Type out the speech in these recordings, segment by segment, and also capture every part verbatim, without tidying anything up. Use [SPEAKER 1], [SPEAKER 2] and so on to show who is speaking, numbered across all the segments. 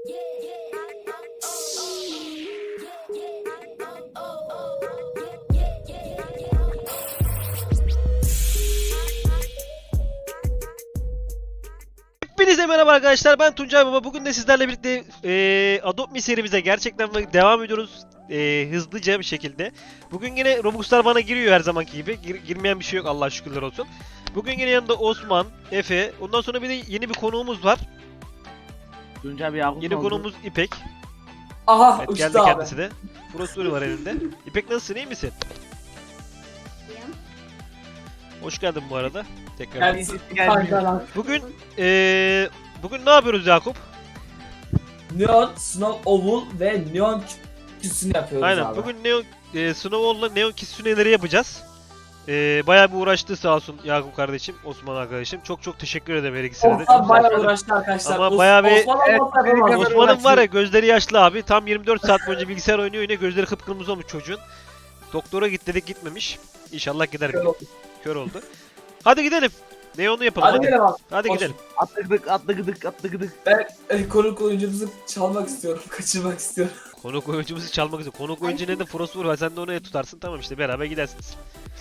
[SPEAKER 1] Hepinize merhaba arkadaşlar, ben Tuncay Baba. Bugün de sizlerle birlikte e, Adopt Me serimize gerçekten devam ediyoruz e, hızlıca bir şekilde. Bugün yine Robux'lar bana giriyor her zamanki gibi. Gir, girmeyen bir şey yok, Allah'a şükürler olsun. Bugün yine yanında Osman, Efe, ondan sonra bir de yeni bir konuğumuz var.
[SPEAKER 2] Tuncay bir Yakup
[SPEAKER 1] Yeni
[SPEAKER 2] oldu.
[SPEAKER 1] konuğumuz İpek.
[SPEAKER 3] Aha
[SPEAKER 1] Evet,
[SPEAKER 3] uçtu
[SPEAKER 1] geldi
[SPEAKER 3] abi.
[SPEAKER 1] kendisi de. Frosturi var elinde. İpek nasılsın, iyi misin? Hoş geldin bu arada. Tekrar.
[SPEAKER 3] Kendisi
[SPEAKER 2] Gelmiyor.
[SPEAKER 3] kankalar.
[SPEAKER 1] Bugün e, bugün ne yapıyoruz Yakup?
[SPEAKER 3] Neon, Snow Oval ve Neon küsünü yapıyoruz
[SPEAKER 1] Aynen.
[SPEAKER 3] abi.
[SPEAKER 1] Bugün Neon e, Snowball'la Neon Kitsune'leri yapacağız. E, bayağı bir uğraştı sağ olsun Yakup kardeşim, Osman arkadaşım. Çok çok teşekkür ederim her ikisine de.
[SPEAKER 3] Osman
[SPEAKER 1] Çok
[SPEAKER 3] bayağı
[SPEAKER 1] sağ olun.
[SPEAKER 3] uğraştı arkadaşlar.
[SPEAKER 1] Ama
[SPEAKER 3] Os-
[SPEAKER 1] bayağı bir-
[SPEAKER 3] Osman
[SPEAKER 2] Evet,
[SPEAKER 3] olmasa yapamaz.
[SPEAKER 2] Osman'ın
[SPEAKER 1] Osman'ın var ya, gözleri yaşlı abi. Tam yirmi dört saat boyunca bilgisayar oynuyor, yine gözleri kıpkırmızı olmuş çocuğun. Doktora git dedik, gitmemiş. İnşallah gider.
[SPEAKER 3] Kör oldu.
[SPEAKER 1] Kör oldu. Hadi gidelim. Neon'u yapalım
[SPEAKER 3] Hadi
[SPEAKER 1] hadi.
[SPEAKER 3] gidelim abi.
[SPEAKER 1] Hadi
[SPEAKER 3] Hoş-
[SPEAKER 1] gidelim.
[SPEAKER 2] Atladık atladık atladık.
[SPEAKER 3] Ben e, konuk oyuncumuzu çalmak istiyorum. Kaçırmak istiyorum.
[SPEAKER 1] Konuk oyuncumuzu çalmak üzere. Konuk oyuncu ne de Frostwurf var. Sen de onu tutarsın. Tamam işte, beraber gidersiniz.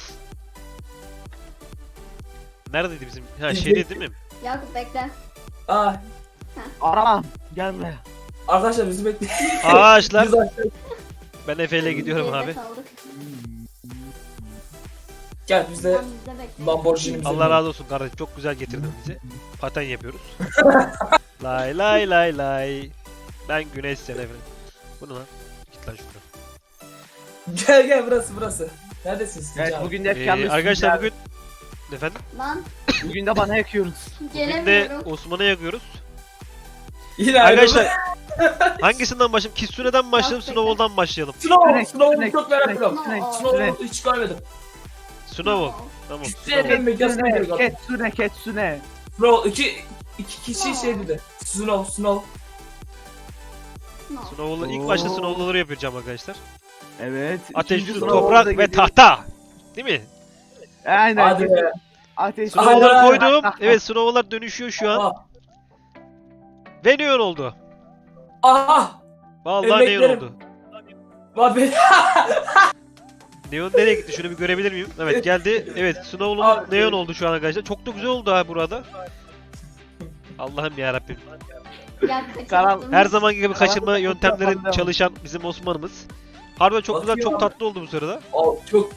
[SPEAKER 1] Neredeydi bizim? Ha, şeyde değil mi?
[SPEAKER 4] Yakup bekle.
[SPEAKER 3] Aa,
[SPEAKER 2] Aramam. Gel buraya.
[SPEAKER 3] arkadaşlar bizi bekleyin.
[SPEAKER 1] Ağaçlar.
[SPEAKER 3] Biz aşağı-
[SPEAKER 1] Ben Efe ile gidiyorum
[SPEAKER 4] Geride
[SPEAKER 1] abi.
[SPEAKER 4] kaldık.
[SPEAKER 3] Gel biz de
[SPEAKER 4] Tam bizde bekle.
[SPEAKER 3] Lamborghini'mizi.
[SPEAKER 1] Allah razı olsun kardeşim. Çok güzel getirdin bizi. Paten yapıyoruz. Lay lay lay lay. Ben Güneş sen efendim. Bu ne lan? Git lan şuradan.
[SPEAKER 3] Gel gel burası burası. Neredesiniz?
[SPEAKER 2] Evet
[SPEAKER 3] Tuncay abi?
[SPEAKER 2] bugün de hep
[SPEAKER 1] Ee,
[SPEAKER 2] yalnız.
[SPEAKER 1] arkadaşlar
[SPEAKER 2] Tuncay
[SPEAKER 1] bugün efendim
[SPEAKER 4] Lan
[SPEAKER 2] abi. Bugün de bana yakıyoruz.
[SPEAKER 1] bugün de
[SPEAKER 4] gelemiyorum.
[SPEAKER 1] Osman'a yakıyoruz.
[SPEAKER 3] Yine
[SPEAKER 1] Arkadaşlar
[SPEAKER 3] ayrılma.
[SPEAKER 1] hangisinden başlayalım? Kitsune'den mi başlayalım,
[SPEAKER 4] Yok,
[SPEAKER 1] Snowball'dan mı başlayalım?
[SPEAKER 3] Snow,
[SPEAKER 2] Sünek,
[SPEAKER 3] Snow'u
[SPEAKER 2] sünek,
[SPEAKER 3] çok merak ediyorum.
[SPEAKER 2] sünek,
[SPEAKER 3] Snow'u hiç görmedim.
[SPEAKER 1] Snowball. Tamam.
[SPEAKER 3] Sünek.
[SPEAKER 1] Snowball.
[SPEAKER 3] Megasını
[SPEAKER 2] Ketsune,
[SPEAKER 3] gördüm.
[SPEAKER 2] Ketsune, Ketsune.
[SPEAKER 3] Snow iki iki kişi şey dedi. Snow, Snow.
[SPEAKER 4] No.
[SPEAKER 1] Snowball'ı ilk başta
[SPEAKER 2] Oo.
[SPEAKER 1] Snowball'ları yapacağım arkadaşlar.
[SPEAKER 2] Evet.
[SPEAKER 1] Ateş,
[SPEAKER 2] ikinci
[SPEAKER 1] su,
[SPEAKER 2] sınavda
[SPEAKER 1] toprak ve
[SPEAKER 2] geliyor.
[SPEAKER 1] tahta. Değil mi?
[SPEAKER 2] Aynen.
[SPEAKER 3] Hadi be.
[SPEAKER 2] Ateş.
[SPEAKER 1] Snowball'ları
[SPEAKER 3] Aynen.
[SPEAKER 1] koydum. Evet, Snowball'lar dönüşüyor şu an.
[SPEAKER 3] Aha.
[SPEAKER 1] Ve Neon oldu.
[SPEAKER 3] Aha.
[SPEAKER 1] Vallahi Neon
[SPEAKER 3] Emeklerim.
[SPEAKER 1] oldu.
[SPEAKER 3] Bak be.
[SPEAKER 1] Neon nereye gitti? Şunu bir görebilir miyim? Evet, geldi. Evet, Snowball'umuz
[SPEAKER 3] Abi.
[SPEAKER 1] Neon oldu şu an arkadaşlar. Çok da güzel oldu ha burada. Allah'ım ya Rabbim.
[SPEAKER 4] Ya
[SPEAKER 2] Karan-
[SPEAKER 4] kaçırdım.
[SPEAKER 1] Her zamanki gibi
[SPEAKER 2] Karanlık
[SPEAKER 1] kaçırma
[SPEAKER 2] kapı
[SPEAKER 1] yöntemleri
[SPEAKER 2] kapandı.
[SPEAKER 1] çalışan bizim Osman'ımız. Harbiden çok güzel,
[SPEAKER 3] Bakıyor
[SPEAKER 1] çok
[SPEAKER 3] abi.
[SPEAKER 1] tatlı oldu bu sırada.
[SPEAKER 3] O çok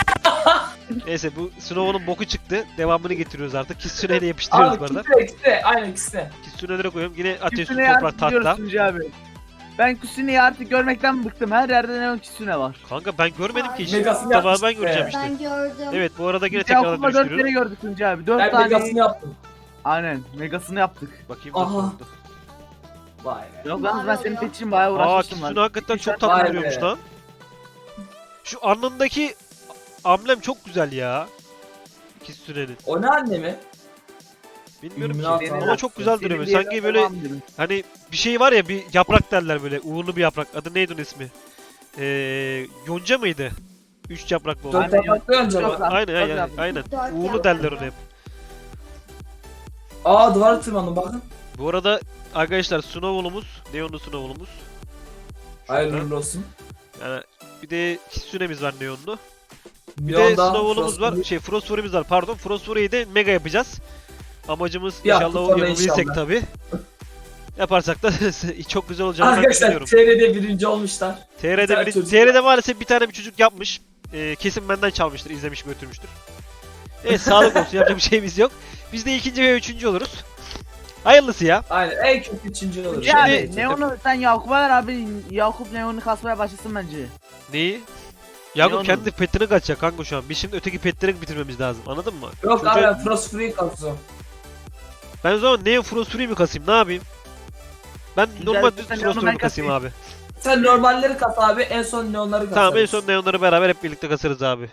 [SPEAKER 1] Neyse, bu Snowball'un boku çıktı. Devamını getiriyoruz artık. Kitsune ile yapıştırıyoruz
[SPEAKER 3] abi
[SPEAKER 1] bu arada.
[SPEAKER 3] ikisi de ikisi de aynen ikisi de.
[SPEAKER 1] Kitsune'lere koyuyorum. Yine ateş, su,
[SPEAKER 2] Küsune'yi
[SPEAKER 1] toprak,
[SPEAKER 2] artık gidiyoruz
[SPEAKER 1] tahta.
[SPEAKER 2] Tuncay abi. Ben Kusune'yi artık görmekten bıktım. Her yerde Neon Kisune var.
[SPEAKER 1] Kanka ben görmedim ki hiç.
[SPEAKER 3] Megasını
[SPEAKER 1] İlk defa ben
[SPEAKER 3] yapmıştık
[SPEAKER 1] göreceğim
[SPEAKER 3] be.
[SPEAKER 1] işte.
[SPEAKER 4] Ben gördüm.
[SPEAKER 1] Evet, bu arada yine
[SPEAKER 2] Biz
[SPEAKER 1] tekrardan
[SPEAKER 2] Yakup'la dört kere
[SPEAKER 1] dönüştürüyorum.
[SPEAKER 2] gördük Tuncay abi. Dört
[SPEAKER 3] Ben
[SPEAKER 2] tane.
[SPEAKER 3] megasını yaptım.
[SPEAKER 2] Aynen. Megasını yaptık.
[SPEAKER 1] Bakayım nasıl
[SPEAKER 3] Aha.
[SPEAKER 1] oldu.
[SPEAKER 3] Vay be.
[SPEAKER 2] Yok yalnız ben
[SPEAKER 4] Mavi
[SPEAKER 2] senin
[SPEAKER 4] oluyor.
[SPEAKER 2] için bayağı
[SPEAKER 1] Aa,
[SPEAKER 2] uğraşmıştım
[SPEAKER 1] Kitsune
[SPEAKER 2] lan.
[SPEAKER 1] hakikaten çok
[SPEAKER 2] Vay
[SPEAKER 1] tatlı
[SPEAKER 3] be.
[SPEAKER 1] duruyormuş lan. Şu alnındaki amblem çok güzel ya. Kitsune'nin.
[SPEAKER 3] O ne annemi?
[SPEAKER 1] Bilmiyorum
[SPEAKER 3] İlluminati
[SPEAKER 1] ki
[SPEAKER 3] abi.
[SPEAKER 1] ama çok güzel
[SPEAKER 2] Senin
[SPEAKER 1] duruyor.
[SPEAKER 2] diye
[SPEAKER 1] Sanki
[SPEAKER 2] ben
[SPEAKER 1] böyle
[SPEAKER 2] tamam dedim.
[SPEAKER 1] hani bir şey var ya, bir yaprak derler böyle. Uğurlu bir yaprak. Adı neydi onun ismi? Ee, yonca mıydı? Üç yapraklı olan.
[SPEAKER 3] Dört yapraklı önce
[SPEAKER 2] Yok
[SPEAKER 3] bak.
[SPEAKER 2] lan.
[SPEAKER 1] Aynen aynen
[SPEAKER 2] Dört
[SPEAKER 1] aynen.
[SPEAKER 4] Dört
[SPEAKER 1] Uğurlu
[SPEAKER 4] yaprak.
[SPEAKER 1] derler ona hep.
[SPEAKER 3] Aa duvara tırmandım bakın.
[SPEAKER 1] Bu arada arkadaşlar, Snowball'umuz, Neon'lu Snowball'umuz. Şurada.
[SPEAKER 3] Hayırlı olsun.
[SPEAKER 1] Yani bir de Kitsune'miz var Neon'lu. Bir
[SPEAKER 3] Bir
[SPEAKER 1] de Snowball'umuz var. Şey, Frostfury'miz var pardon. Frostfury'yi de mega yapacağız. Amacımız
[SPEAKER 3] Bir hafta
[SPEAKER 1] inşallah o
[SPEAKER 3] sonra
[SPEAKER 1] yapabilirsek
[SPEAKER 3] inşallah.
[SPEAKER 1] tabi. Yaparsak da çok güzel olacağını ben
[SPEAKER 3] Arkadaşlar
[SPEAKER 1] düşünüyorum.
[SPEAKER 3] T R'de birinci olmuşlar.
[SPEAKER 1] T
[SPEAKER 3] bir
[SPEAKER 1] R'de,
[SPEAKER 3] tane
[SPEAKER 1] bir,
[SPEAKER 3] çocuk-
[SPEAKER 1] T R'de maalesef bir tane bir çocuk yapmış. Ee, kesin benden çalmıştır, izlemiş götürmüştür. Evet, sağlık olsun, yapacak bir şeyimiz yok. Biz de ikinci ve üçüncü oluruz. Hayırlısı ya.
[SPEAKER 3] Aynen en kötü üçüncü olur.
[SPEAKER 2] Ya
[SPEAKER 1] Şimdi-
[SPEAKER 2] abi Neon'u sen Yakup'a ver abi. Yakup Neon'u kasmaya başlasın bence.
[SPEAKER 1] Neyi? Yakup
[SPEAKER 2] Neon'u.
[SPEAKER 1] kendi petini kaçacak kanka şu an. Biz şimdi öteki petleri bitirmemiz lazım. Anladın mı?
[SPEAKER 3] Yok
[SPEAKER 1] Çocuğa-
[SPEAKER 3] abi ben Frost Free kalsın.
[SPEAKER 1] Ben o zaman Neo Frostfury mi kasayım? Ne yapayım? Ben
[SPEAKER 2] Güzel,
[SPEAKER 1] normal
[SPEAKER 2] sen
[SPEAKER 1] düz
[SPEAKER 2] Neon'u
[SPEAKER 1] Frostfury
[SPEAKER 2] ben
[SPEAKER 1] mi kasayım abi?
[SPEAKER 3] Sen normalleri kas abi en son neonları kas.
[SPEAKER 1] Tamam, en son Neon'ları beraber hep birlikte kasarız abi.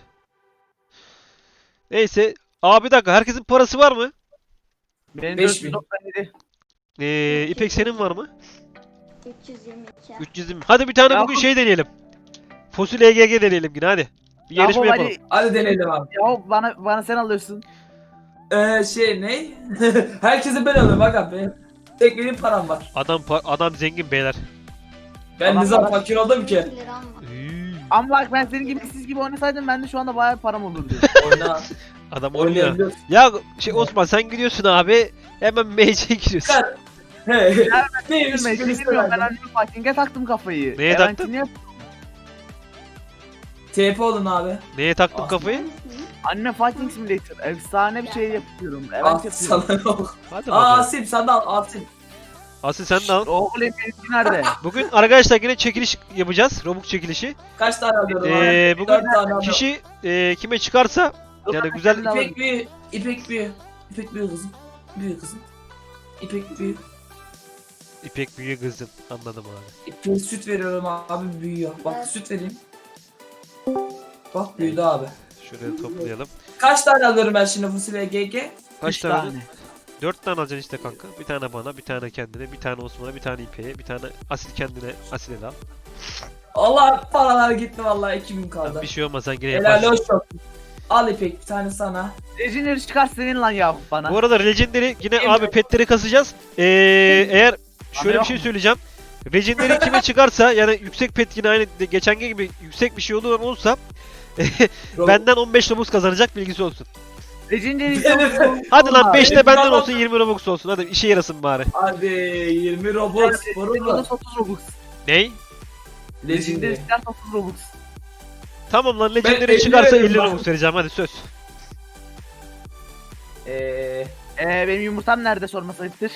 [SPEAKER 1] Neyse. Abi bir dakika, herkesin parası var mı?
[SPEAKER 2] Benim
[SPEAKER 3] Beş
[SPEAKER 2] dört yüz
[SPEAKER 3] bin.
[SPEAKER 2] doksan yedi.
[SPEAKER 1] Ee, İpek senin var mı?
[SPEAKER 4] üç yüz yirmi iki.
[SPEAKER 1] üç yüz yirmi. Hadi bir tane
[SPEAKER 2] Yakup-
[SPEAKER 1] bugün şey deneyelim. Fosil E G G deneyelim yine hadi. Bir yarışma
[SPEAKER 2] Yakup
[SPEAKER 1] yapalım.
[SPEAKER 2] hadi.
[SPEAKER 3] Hadi deneyelim abi.
[SPEAKER 2] Yakup bana, bana sen alıyorsun.
[SPEAKER 3] Ee, şey ne? Herkese ben alıyorum bak abi. Tek benim param var.
[SPEAKER 1] Adam pa- adam zengin beyler.
[SPEAKER 3] Ben
[SPEAKER 2] Tamam,
[SPEAKER 3] ne zaman
[SPEAKER 2] tamam.
[SPEAKER 3] fakir oldum ki?
[SPEAKER 4] iki liram var.
[SPEAKER 1] Üy,
[SPEAKER 2] Ama bak ben senin gibi siz gibi oynasaydım ben de şu anda bayağı param olurdu.
[SPEAKER 3] Oyna.
[SPEAKER 1] Adam oynuyor.
[SPEAKER 3] Oynayabiliyorsun.
[SPEAKER 1] Ya şey Osman sen gidiyorsun abi. Hemen M C'ye giriyorsun.
[SPEAKER 3] Çıkar. He. Neymiş
[SPEAKER 2] Ben
[SPEAKER 3] birisi
[SPEAKER 2] bilmiyorum ben
[SPEAKER 3] verdi.
[SPEAKER 2] anime fighting'e taktım kafayı.
[SPEAKER 1] Neye
[SPEAKER 2] E, ben
[SPEAKER 1] taktın?
[SPEAKER 2] niye-
[SPEAKER 3] T P olun abi.
[SPEAKER 1] Neye taktın
[SPEAKER 3] Aslan.
[SPEAKER 1] kafayı?
[SPEAKER 2] Anime fighting simulator. Efsane bir şey yapıyorum. Evet
[SPEAKER 3] Ah
[SPEAKER 2] yapıyorum.
[SPEAKER 3] sana yok.
[SPEAKER 1] Hadi
[SPEAKER 3] Aa
[SPEAKER 1] bakalım.
[SPEAKER 3] Asim sen de al Asim.
[SPEAKER 1] Asıl sen de al.
[SPEAKER 2] Oğlum benimki nerede?
[SPEAKER 1] Bugün arkadaşlar yine çekiliş yapacağız. Robux çekilişi.
[SPEAKER 3] Kaç tane alıyorum
[SPEAKER 1] Ee,
[SPEAKER 3] abi?
[SPEAKER 1] bugün
[SPEAKER 3] Dört tane alıyorum.
[SPEAKER 1] Kişi e, kime çıkarsa yani güzel
[SPEAKER 3] İpek büyü. İpek büyü. İpek büyü kızım. Büyü kızım. İpek büyü.
[SPEAKER 1] İpek büyüğü kızım. Anladım abi.
[SPEAKER 3] İpek süt veriyorum abi büyüyor. Bak
[SPEAKER 4] Evet.
[SPEAKER 3] süt vereyim. Bak büyüdü abi.
[SPEAKER 1] Şuraya toplayalım.
[SPEAKER 3] Kaç tane alıyorum ben şimdi fasulye G G?
[SPEAKER 1] Kaç
[SPEAKER 2] Üç
[SPEAKER 1] tane?
[SPEAKER 2] tane.
[SPEAKER 1] aldın? Dört tane alacaksın işte kanka. Bir tane bana, bir tane kendine, bir tane Osman'a, bir tane İpek'e, bir tane Asil kendine, Asil'e de al.
[SPEAKER 3] Allah paralar gitti vallahi iki bin kaldı.
[SPEAKER 1] Bir şey olmaz sen yine
[SPEAKER 3] Helal
[SPEAKER 1] yaparsın.
[SPEAKER 3] hoş olsun. Al İpek bir tane sana.
[SPEAKER 2] Legendary çıkar senin lan Yakup bana.
[SPEAKER 1] Bu arada Legendary yine
[SPEAKER 3] Emre.
[SPEAKER 1] abi petleri kasacağız. Ee, eğer şöyle bir
[SPEAKER 2] yok
[SPEAKER 1] şey
[SPEAKER 2] mu?
[SPEAKER 1] söyleyeceğim. Legendary kime çıkarsa yani yüksek pet yine aynı de- geçen gibi yüksek bir şey olur olursa benden on beş Robux kazanacak bilgisi olsun.
[SPEAKER 2] Legendary
[SPEAKER 3] Benim-
[SPEAKER 1] Hadi lan beşte
[SPEAKER 3] benim
[SPEAKER 1] benden
[SPEAKER 3] adam-
[SPEAKER 1] olsun yirmi Robux olsun. Hadi işe yarasın bari.
[SPEAKER 3] Hadi yirmi Robux. Vurur mu?
[SPEAKER 2] otuz Robux.
[SPEAKER 1] Ney?
[SPEAKER 2] Legendary
[SPEAKER 3] Legendary.
[SPEAKER 2] çıkar otuz Robux.
[SPEAKER 1] Tamam lan
[SPEAKER 3] Ben
[SPEAKER 1] Legendary
[SPEAKER 3] elli
[SPEAKER 1] çıkarsa
[SPEAKER 3] veririm
[SPEAKER 1] elli
[SPEAKER 3] bak.
[SPEAKER 1] Robux vereceğim hadi söz.
[SPEAKER 3] Eee.
[SPEAKER 2] Ee, benim yumurtam nerede sorması ayıptır.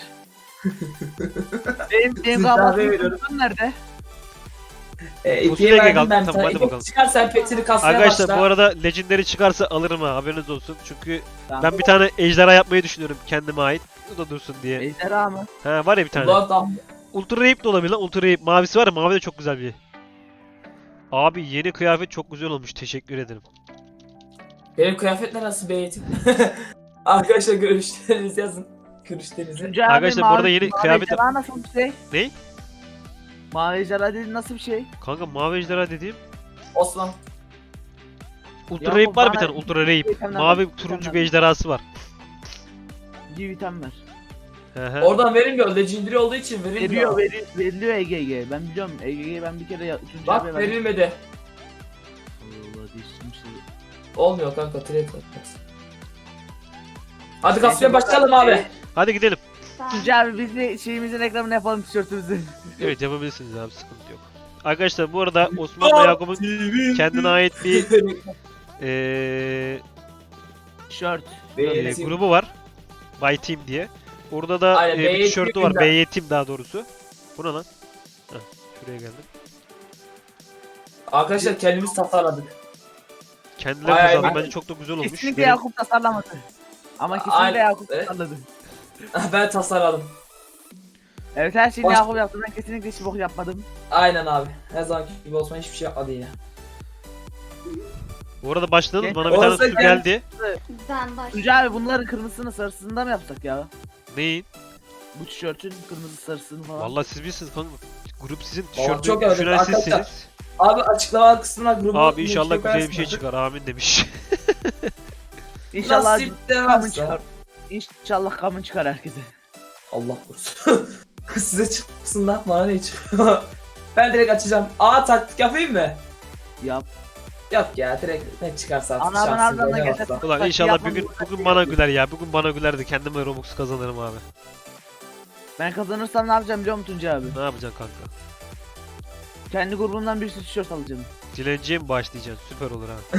[SPEAKER 2] benim benim
[SPEAKER 3] Siz
[SPEAKER 2] kahvaltı
[SPEAKER 3] daha veriyorum.
[SPEAKER 2] yumurtam nerede?
[SPEAKER 3] E,
[SPEAKER 1] Fasulye
[SPEAKER 3] ikiye
[SPEAKER 1] G G
[SPEAKER 3] verdim ben
[SPEAKER 1] tamam,
[SPEAKER 3] sana.
[SPEAKER 1] hadi
[SPEAKER 3] İpek
[SPEAKER 1] bakalım.
[SPEAKER 3] çıkar sen petini kasmaya
[SPEAKER 1] Arkadaşlar
[SPEAKER 3] başla.
[SPEAKER 1] bu arada Legendary çıkarsa alırım ha haberiniz olsun. Çünkü
[SPEAKER 2] Tamam.
[SPEAKER 1] ben bir tane ejderha yapmayı düşünüyorum kendime ait. O da dursun diye.
[SPEAKER 2] Ejderha mı?
[SPEAKER 1] Ha var ya bir tane.
[SPEAKER 3] Ulan tam-
[SPEAKER 1] Ultra Rape de olabilir lan. Ultra Rape mavisi var ya mavi de çok güzel bir. Abi yeni kıyafet çok güzel olmuş. Teşekkür ederim.
[SPEAKER 3] Benim kıyafetler nasıl beğetim? Arkadaşlar görüşlerinizi yazın. Görüşlerinizi.
[SPEAKER 2] Tuncay abi,
[SPEAKER 1] Arkadaşlar bu
[SPEAKER 2] mavi-
[SPEAKER 1] arada yeni
[SPEAKER 2] mavi
[SPEAKER 1] kıyafet-
[SPEAKER 2] ejderha nasıl bir şey?
[SPEAKER 1] Ney?
[SPEAKER 2] Mavi ejderha dediğin nasıl bir şey?
[SPEAKER 1] Kanka mavi ejderha dediğim
[SPEAKER 3] Osman.
[SPEAKER 1] Ultra
[SPEAKER 2] Ya
[SPEAKER 1] Rape
[SPEAKER 2] bu
[SPEAKER 1] var bir
[SPEAKER 2] bana-
[SPEAKER 1] tane Ultra Rape.
[SPEAKER 2] itemler
[SPEAKER 1] Mavi
[SPEAKER 2] var,
[SPEAKER 1] turuncu
[SPEAKER 2] itemler
[SPEAKER 1] bir
[SPEAKER 2] var.
[SPEAKER 1] ejderhası var.
[SPEAKER 2] Bir vitamin ver.
[SPEAKER 1] Hı hı.
[SPEAKER 3] Oradan verilmiyor. Legendary olduğu için
[SPEAKER 2] Veriyor,
[SPEAKER 3] verilmiyor.
[SPEAKER 2] veri, veriliyor E G G. Ben biliyorum E G G'yi ben bir kere ya- Tuncay
[SPEAKER 3] Bak
[SPEAKER 2] abiye verdim.
[SPEAKER 3] verilmedi.
[SPEAKER 2] Allah değiştirmiş şey.
[SPEAKER 3] Olmuyor kanka. Trade atmaz. Hadi kasmaya başlayalım abi.
[SPEAKER 1] Hadi gidelim.
[SPEAKER 4] Ben
[SPEAKER 2] Tuncay abi biz de şeyimizin reklamını yapalım tişörtümüzü.
[SPEAKER 1] Evet yapabilirsiniz abi sıkıntı yok. Arkadaşlar bu arada Osman ve Yakup'un kendine ait bir eee
[SPEAKER 2] Tişört.
[SPEAKER 1] e,
[SPEAKER 3] Beğetim.
[SPEAKER 1] grubu var. By Team diye. Orada da
[SPEAKER 3] Aynen,
[SPEAKER 1] e, bir
[SPEAKER 3] Bey
[SPEAKER 1] tişörtü var.
[SPEAKER 3] Team'den.
[SPEAKER 1] Bey Team daha doğrusu. Bu ne lan? Heh, şuraya geldim.
[SPEAKER 3] Arkadaşlar kendimiz tasarladık.
[SPEAKER 1] Kendileri
[SPEAKER 3] Ay,
[SPEAKER 1] tasarladı.
[SPEAKER 3] ay,
[SPEAKER 1] Bence çok da güzel olmuş.
[SPEAKER 2] Kesinlikle
[SPEAKER 1] Benim-
[SPEAKER 2] Yakup tasarlamadı. Ama kesinlikle
[SPEAKER 3] Aynen.
[SPEAKER 2] Yakup
[SPEAKER 3] Evet.
[SPEAKER 2] tasarladı.
[SPEAKER 3] Ben tasarladım.
[SPEAKER 2] Evet her şeyi
[SPEAKER 3] Baş-
[SPEAKER 2] Yakup yaptı. Ben kesinlikle hiç bok yapmadım.
[SPEAKER 3] Aynen abi. Her zamanki gibi Osman hiçbir şey yapmadı yine.
[SPEAKER 1] Bu arada başladınız.
[SPEAKER 2] Gen-
[SPEAKER 1] Bana bir tane
[SPEAKER 3] Olsa
[SPEAKER 1] su
[SPEAKER 3] gel-
[SPEAKER 1] geldi.
[SPEAKER 4] ben baş.
[SPEAKER 2] Tuncay abi bunların kırmızısını sarısını da mı yapsak ya?
[SPEAKER 1] Neyin?
[SPEAKER 2] Bu tişörtün kırmızı sarısını falan.
[SPEAKER 1] Vallahi siz bilirsiniz kanka. Grup sizin,
[SPEAKER 3] Vallahi
[SPEAKER 1] tişörtü
[SPEAKER 3] çok evet,
[SPEAKER 1] düşünen
[SPEAKER 3] arkadaşlar.
[SPEAKER 1] sizsiniz.
[SPEAKER 3] Abi açıklama kısmına grubu
[SPEAKER 1] Abi inşallah
[SPEAKER 3] linki
[SPEAKER 1] güzel bir şey
[SPEAKER 3] koyarsınız.
[SPEAKER 1] çıkar. Amin demiş.
[SPEAKER 2] İnşallah
[SPEAKER 3] Nasip
[SPEAKER 2] kamın
[SPEAKER 3] demezse.
[SPEAKER 2] çıkar. İnşallah kamın çıkar herkese.
[SPEAKER 3] Allah korusun. Size çıksın lan bana ne çıkıyor? Ben direkt açacağım. Aa taktik yapayım mı?
[SPEAKER 2] Yap.
[SPEAKER 3] Yok ya direkt ne çıkarsa artık
[SPEAKER 2] Anamın
[SPEAKER 3] şansım
[SPEAKER 2] ardından
[SPEAKER 3] ne
[SPEAKER 2] geçer.
[SPEAKER 3] varsa.
[SPEAKER 1] Ulan
[SPEAKER 2] Bak,
[SPEAKER 1] inşallah
[SPEAKER 2] yapmam
[SPEAKER 1] bugün
[SPEAKER 2] lazım.
[SPEAKER 1] bugün bana güler ya. Bugün bana gülerdi. Kendime Robux kazanırım abi.
[SPEAKER 2] Ben kazanırsam ne yapacağım biliyor musun Tuncay abi?
[SPEAKER 1] Ne yapacaksın kanka?
[SPEAKER 2] Kendi grubumdan bir sürü tişört alacağım.
[SPEAKER 1] Dilenciye mi başlayacaksın? Süper olur ha.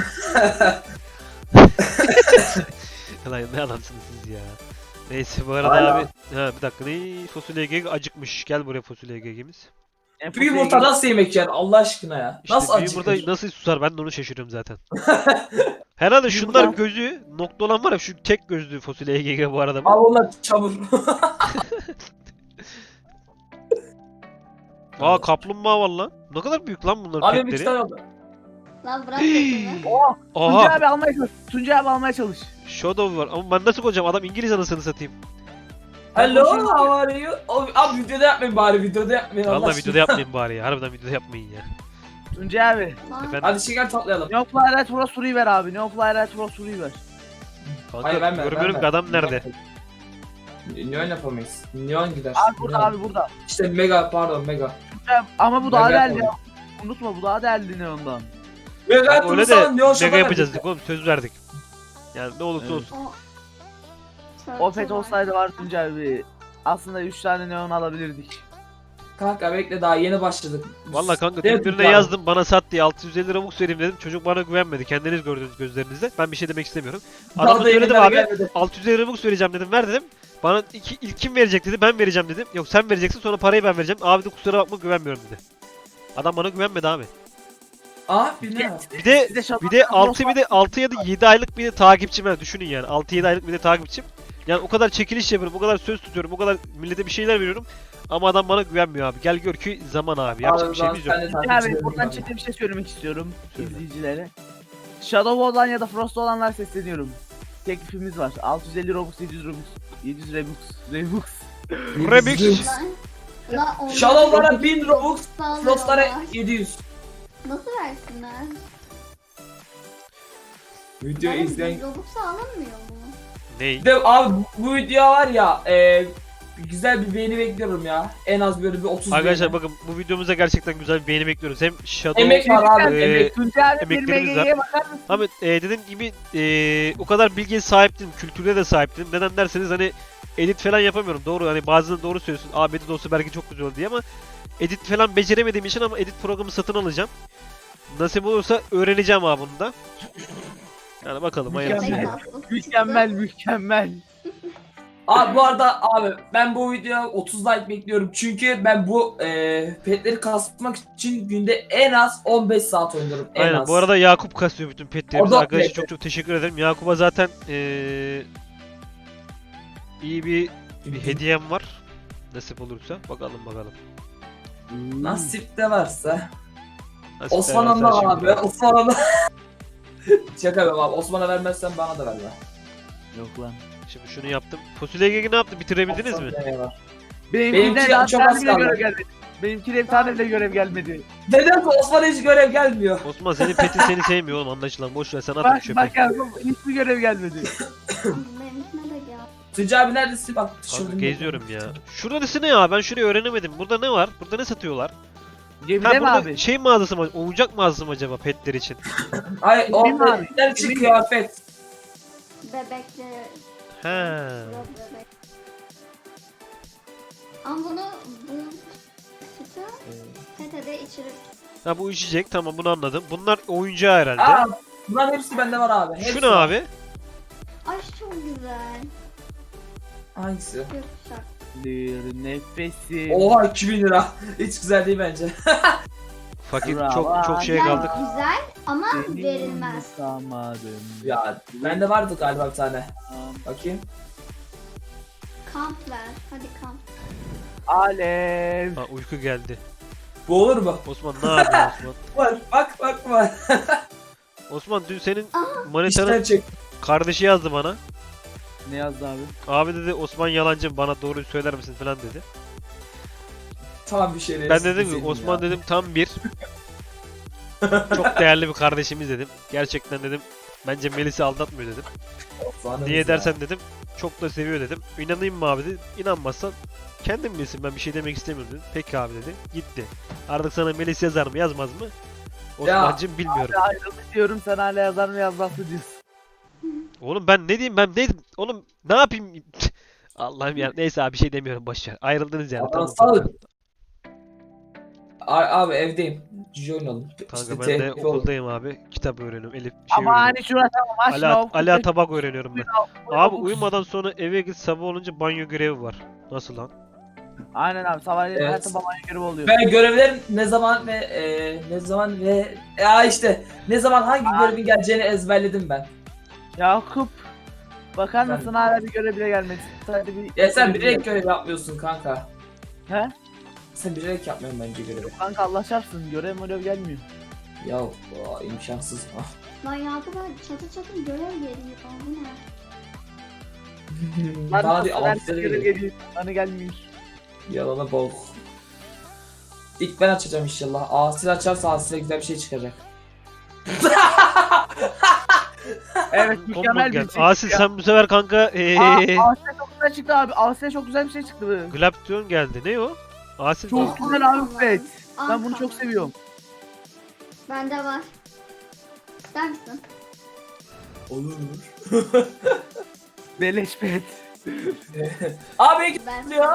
[SPEAKER 1] Lan ne adamsınız siz ya. Neyse bu arada
[SPEAKER 3] Hala.
[SPEAKER 1] abi. Ha bir dakika ne? Fasulye G G acıkmış. Gel buraya fasulye G G'miz.
[SPEAKER 2] En
[SPEAKER 3] Bir
[SPEAKER 2] popüler
[SPEAKER 3] yumurta
[SPEAKER 2] gibi-
[SPEAKER 3] nasıl yemek yer Allah aşkına ya?
[SPEAKER 1] İşte
[SPEAKER 3] nasıl
[SPEAKER 1] bir
[SPEAKER 3] acıkır?
[SPEAKER 1] yumurta nasıl susar ben de onu şaşırıyorum zaten. Herhalde şunlar
[SPEAKER 2] Yumurta-
[SPEAKER 1] gözü nokta olan var ya şu tek gözlü fasulye G G bu arada.
[SPEAKER 3] Abi
[SPEAKER 1] Bu.
[SPEAKER 3] onlar çamur.
[SPEAKER 1] Aa kaplumbağa var lan. Ne kadar büyük lan bunların
[SPEAKER 3] Abi bir
[SPEAKER 1] petleri.
[SPEAKER 3] tane oldu.
[SPEAKER 4] Lan bırak petimi.
[SPEAKER 2] Oo, Tuncay
[SPEAKER 1] Aha
[SPEAKER 2] abi almaya çalış. Tuncay abi almaya çalış.
[SPEAKER 1] Shadow var ama ben nasıl koyacağım adam İngiliz anasını satayım.
[SPEAKER 3] Hello how are you? Abi, abi videoda yapmayın bari videoda yapmayın Allah
[SPEAKER 1] Vallahi
[SPEAKER 3] aşkına.
[SPEAKER 1] videoda yapmayın bari ya. Harbiden videoda yapmayın ya.
[SPEAKER 2] Tuncay abi.
[SPEAKER 4] Lan
[SPEAKER 1] Efendim
[SPEAKER 3] Hadi şeker toplayalım.
[SPEAKER 2] Ne Fly Right Pro Suru'yu ver abi. Ne Fly Right Pro Suru'yu ver.
[SPEAKER 1] kanka
[SPEAKER 3] Hayır verme.
[SPEAKER 1] görmüyorum
[SPEAKER 3] verme.
[SPEAKER 1] ki adam nerede.
[SPEAKER 3] Neon yapamayız. Neon gider.
[SPEAKER 2] Abi burada
[SPEAKER 3] Neon.
[SPEAKER 2] abi burada.
[SPEAKER 3] İşte mega pardon mega.
[SPEAKER 2] Ama bu daha
[SPEAKER 3] Mega
[SPEAKER 2] değerli.
[SPEAKER 3] yapalım.
[SPEAKER 2] Unutma bu daha değerli ne ondan.
[SPEAKER 3] Mega
[SPEAKER 1] Bak, öyle de
[SPEAKER 3] yaptığımız Neon
[SPEAKER 1] mega yapacağız dedik oğlum, söz verdik. Yani ne olursa
[SPEAKER 2] Evet.
[SPEAKER 1] olsun.
[SPEAKER 4] O...
[SPEAKER 2] O pet olsaydı var Tuncay abi. Aslında üç tane neon alabilirdik.
[SPEAKER 3] Kanka bekle daha yeni başladık.
[SPEAKER 1] Valla kanka
[SPEAKER 3] Evet,
[SPEAKER 1] dün birine
[SPEAKER 3] abi.
[SPEAKER 1] yazdım, bana sat diye altı yüz elli Robux vereyim dedim. Çocuk bana güvenmedi. Kendiniz gördünüz gözlerinizde. Ben bir şey demek istemiyorum.
[SPEAKER 3] Daha
[SPEAKER 1] Adamı
[SPEAKER 3] da
[SPEAKER 1] söyledim
[SPEAKER 3] yeniler
[SPEAKER 1] abi.
[SPEAKER 3] gelmedi.
[SPEAKER 1] altı yüz elli Robux vereceğim dedim. Ver dedim. Bana iki, ilk kim verecek dedi. Ben vereceğim dedim. Yok sen vereceksin, sonra parayı ben vereceğim. Abi de kusura bakma, güvenmiyorum dedi. Adam bana güvenmedi abi.
[SPEAKER 3] Aa bir ne?
[SPEAKER 1] Bir de
[SPEAKER 2] Bir de şato-
[SPEAKER 1] bir de altı bir de altı ya da yedi aylık bir de takipçim var. Düşünün yani. altı yedi aylık bir de takipçim. Yani o kadar çekiliş yapıyorum, o kadar söz tutuyorum, o kadar millete bir şeyler veriyorum. Ama adam bana güvenmiyor abi. Gel gör ki zaman abi. Yapacak bir şeyimiz yok.
[SPEAKER 2] Tuncay abi buradan çete bir şey söylemek istiyorum
[SPEAKER 1] Söyle.
[SPEAKER 2] izleyicilere. Shadow olan ya da Frost olanlar sesleniyorum. Teklifimiz var. altı yüz elli Robux, yedi yüz Robux, yedi yüz Robux, Robux.
[SPEAKER 1] Remix.
[SPEAKER 4] Lan, lan onlar-
[SPEAKER 3] Shadow'lara bin Robux,
[SPEAKER 4] Sağlar
[SPEAKER 3] Frost'lara
[SPEAKER 4] onlar.
[SPEAKER 3] yedi yüz.
[SPEAKER 4] Nasıl versinler?
[SPEAKER 3] Video
[SPEAKER 4] Yani
[SPEAKER 3] izleyen...
[SPEAKER 4] Robux'a alınmıyor mu?
[SPEAKER 1] Ney?
[SPEAKER 3] Bir de abi bu video var ya e, güzel bir beğeni bekliyorum ya. En az böyle bir otuz
[SPEAKER 1] Arkadaşlar
[SPEAKER 3] beğeni.
[SPEAKER 1] bakın, bu videomuza gerçekten güzel bir beğeni bekliyoruz. Hem Shadow...
[SPEAKER 3] Emek var abi.
[SPEAKER 1] Ee,
[SPEAKER 3] emek.
[SPEAKER 2] Tuncay abi bir
[SPEAKER 1] emeklerimiz
[SPEAKER 2] M G'ye bakar mısın?
[SPEAKER 1] Ama e, dediğim gibi e, o kadar bilgiye sahip değilim, kültüre de sahip değilim. Neden derseniz hani edit falan yapamıyorum. Doğru, hani bazen doğru söylüyorsun. Abi edit olsa belki çok güzel olur diye, ama edit falan beceremediğim için, ama edit programı satın alacağım. Nasip olursa öğreneceğim abi bunu da. Yani bakalım hayırlısı.
[SPEAKER 2] Mükemmel.
[SPEAKER 4] Pek tatlı.
[SPEAKER 2] Mükemmel mükemmel.
[SPEAKER 3] Abi bu arada abi ben bu videoya otuz like bekliyorum. Çünkü ben bu e, petleri kasmak için günde en az on beş saat oynuyorum. En
[SPEAKER 1] Aynen.
[SPEAKER 3] az.
[SPEAKER 1] Bu arada Yakup kasıyor bütün petlerimizi.
[SPEAKER 3] O da
[SPEAKER 1] Arkadaşlar
[SPEAKER 3] pet.
[SPEAKER 1] çok çok teşekkür ederim. Yakup'a zaten eee iyi bir, bir hediyem var. Nasip olursa. Bakalım bakalım.
[SPEAKER 3] Nasip de varsa.
[SPEAKER 1] Nasip
[SPEAKER 3] Osman
[SPEAKER 1] ederse
[SPEAKER 3] anla
[SPEAKER 1] şimdi.
[SPEAKER 3] abi. Osman anla. Şaka yapıyorum abi. Osman'a vermezsen bana da ver be.
[SPEAKER 2] Yok lan.
[SPEAKER 1] Şimdi şunu yaptım. Fasulye G G ne yaptı? Bitirebildiniz mi?
[SPEAKER 3] Osman ver.
[SPEAKER 2] Benimkine
[SPEAKER 3] Benimki
[SPEAKER 2] daha
[SPEAKER 3] çok
[SPEAKER 2] tane
[SPEAKER 3] az
[SPEAKER 2] bile
[SPEAKER 3] kaldı.
[SPEAKER 2] görev gelmedi. Benimkine bir tane bile görev gelmedi.
[SPEAKER 3] Neden Osman'a hiç görev gelmiyor?
[SPEAKER 1] Osman senin petin seni sevmiyor oğlum, anlaşılan. Boş ver, sen atın
[SPEAKER 2] Bak
[SPEAKER 1] çöpe.
[SPEAKER 2] bak abi hiçbir görev gelmedi.
[SPEAKER 4] Benimkine de gel.
[SPEAKER 3] Tuncay abi neredesin? Bak
[SPEAKER 1] Kanka
[SPEAKER 3] tişörtüm.
[SPEAKER 1] geziyorum ya. Şurada ne ya? Ben şurayı öğrenemedim. Burada ne var? Burada ne satıyorlar?
[SPEAKER 2] Gemide
[SPEAKER 1] Ha,
[SPEAKER 2] mi
[SPEAKER 1] burada
[SPEAKER 2] abi?
[SPEAKER 1] şey mağazası mı? Oyuncak mağazası mı acaba petler için?
[SPEAKER 3] Ay
[SPEAKER 2] Emin
[SPEAKER 3] orada
[SPEAKER 2] abi,
[SPEAKER 3] petler için
[SPEAKER 2] emin.
[SPEAKER 3] kıyafet.
[SPEAKER 4] Bebekli.
[SPEAKER 1] He.
[SPEAKER 4] Yok bebek. Ama bunu bu sütü tetede içirip
[SPEAKER 1] Ha, bu içecek, tamam, bunu anladım. Bunlar oyuncağı herhalde.
[SPEAKER 3] Aa, bunların hepsi bende var abi. Hepsi
[SPEAKER 1] Şu ne
[SPEAKER 3] var.
[SPEAKER 1] abi?
[SPEAKER 4] ay çok güzel.
[SPEAKER 3] Hangisi?
[SPEAKER 4] Gökkuşak.
[SPEAKER 2] Bir nefesi.
[SPEAKER 3] Oha iki bin lira. Hiç güzel değil bence.
[SPEAKER 1] Fakir,
[SPEAKER 2] Bravo.
[SPEAKER 1] çok çok şeye
[SPEAKER 4] Yani
[SPEAKER 1] kaldık.
[SPEAKER 4] güzel ama
[SPEAKER 2] Seni
[SPEAKER 4] verilmez.
[SPEAKER 2] unutamadım.
[SPEAKER 3] Ya bende vardı galiba bir tane. Bakayım.
[SPEAKER 4] Kamp ver. Hadi kamp.
[SPEAKER 2] Alev.
[SPEAKER 1] Ha, uyku geldi.
[SPEAKER 3] Bu olur mu?
[SPEAKER 1] Osman ne yapıyorsun Osman?
[SPEAKER 3] Var. Bak bak var.
[SPEAKER 1] Osman dün senin
[SPEAKER 4] Aa,
[SPEAKER 1] manitanın
[SPEAKER 3] İşten çek.
[SPEAKER 1] kardeşi yazdı bana.
[SPEAKER 2] Ne yazdı abi?
[SPEAKER 1] Abi dedi Osman yalancı, bana doğruyu söyler misin falan dedi.
[SPEAKER 3] Tamam bir şey.
[SPEAKER 1] Ben dedim ki Osman dedim tam bir çok değerli bir kardeşimiz dedim. Gerçekten dedim bence Melis'i aldatmıyor dedim. Niye dersen dedim çok da seviyor dedim. İnanayım mı abi dedi. İnanmazsan kendin bilsin, ben bir şey demek istemiyorum dedim. Peki abi dedi. Gitti. Artık sana Melis yazar mı yazmaz mı? Osman'cım bilmiyorum.
[SPEAKER 2] Ayrıldık diyorum sen hala yazar mı yazmaz mı diyorsun.
[SPEAKER 1] Oğlum ben ne diyeyim, ben ne oğlum ne yapayım? Allah'ım ya, neyse abi bir şey demiyorum, boş ver. Ayrıldınız yani.
[SPEAKER 3] Allah'ım
[SPEAKER 1] Tamam.
[SPEAKER 3] sağlık. Abi evdeyim. Cici oynayalım.
[SPEAKER 1] Kanka
[SPEAKER 3] İşte
[SPEAKER 1] ben de
[SPEAKER 3] te-
[SPEAKER 1] okuldayım abi. Kitap öğreniyorum. Elif şey
[SPEAKER 2] Ama
[SPEAKER 1] öğreniyorum.
[SPEAKER 2] hani şurası tamam
[SPEAKER 1] Ali,
[SPEAKER 2] aşma.
[SPEAKER 1] Ali tabak öğreniyorum ben. Abi uyumadan sonra eve git, sabah olunca banyo görevi var. Nasıl lan?
[SPEAKER 2] Aynen abi sabahleyin
[SPEAKER 3] Evet.
[SPEAKER 2] her sabah banyo görevi oluyor.
[SPEAKER 3] Ben görevlerin ne zaman ve e, ne zaman ve ya işte ne zaman hangi
[SPEAKER 2] Aa.
[SPEAKER 3] görevin geleceğini ezberledim ben.
[SPEAKER 2] Yakup. Bakar
[SPEAKER 3] Ben-
[SPEAKER 2] mısın hala bir görev bile gelmedi. Sadece bir
[SPEAKER 3] Ya sen
[SPEAKER 2] görev
[SPEAKER 3] bilerek görev yapmıyorsun kanka.
[SPEAKER 2] He?
[SPEAKER 3] Sen bilerek yapmıyorsun bence görevi.
[SPEAKER 2] Kanka Allah çarpsın görev görev gelmiyor.
[SPEAKER 3] Ya o, imkansız. Ah.
[SPEAKER 4] Lan Yakup'a çatı çatı görev geliyor. Aa, bu ne?
[SPEAKER 2] Lan
[SPEAKER 3] Bana
[SPEAKER 2] nasıl
[SPEAKER 3] bir
[SPEAKER 2] ben
[SPEAKER 3] altı
[SPEAKER 2] görev
[SPEAKER 3] geliyor.
[SPEAKER 2] geliyor. Bana gelmiyor.
[SPEAKER 3] Yalana bok. İlk ben açacağım inşallah. Asil açarsa Asil'e güzel bir şey çıkacak.
[SPEAKER 2] Evet
[SPEAKER 1] Kombo
[SPEAKER 2] mükemmel bir
[SPEAKER 1] gel.
[SPEAKER 2] şey.
[SPEAKER 1] Asil sen bu sefer kanka ee,
[SPEAKER 2] Aa, Asil çok güzel çıktı abi. Asya'ya çok güzel bir şey çıktı.
[SPEAKER 1] Glaption geldi. Ne o? Asil
[SPEAKER 2] Çok
[SPEAKER 1] mi?
[SPEAKER 2] güzel abi pet. Ben
[SPEAKER 4] Anka.
[SPEAKER 2] bunu çok seviyorum.
[SPEAKER 4] Bende var. İster misin?
[SPEAKER 3] Olur.
[SPEAKER 2] Beleş pet.
[SPEAKER 3] Abi
[SPEAKER 4] Ben
[SPEAKER 3] gidiyor.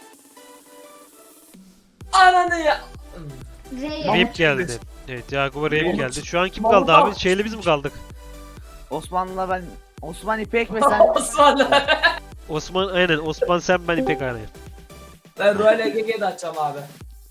[SPEAKER 3] Ananı ya.
[SPEAKER 4] Rey.
[SPEAKER 2] Mahmut
[SPEAKER 1] Rape geldi.
[SPEAKER 2] çıktı.
[SPEAKER 1] Evet Yakup'a Rape
[SPEAKER 3] Mahmut.
[SPEAKER 1] geldi. Şu an kim
[SPEAKER 3] Mahmut
[SPEAKER 1] kaldı abi?
[SPEAKER 3] abi.
[SPEAKER 1] Şeyle biz mi kaldık?
[SPEAKER 2] Osman'la ben Osman İpek ve sen
[SPEAKER 3] Osman.
[SPEAKER 1] Osman aynen. Osman sen ben İpek aynen.
[SPEAKER 3] Ben Royal E G G'de açacağım abi.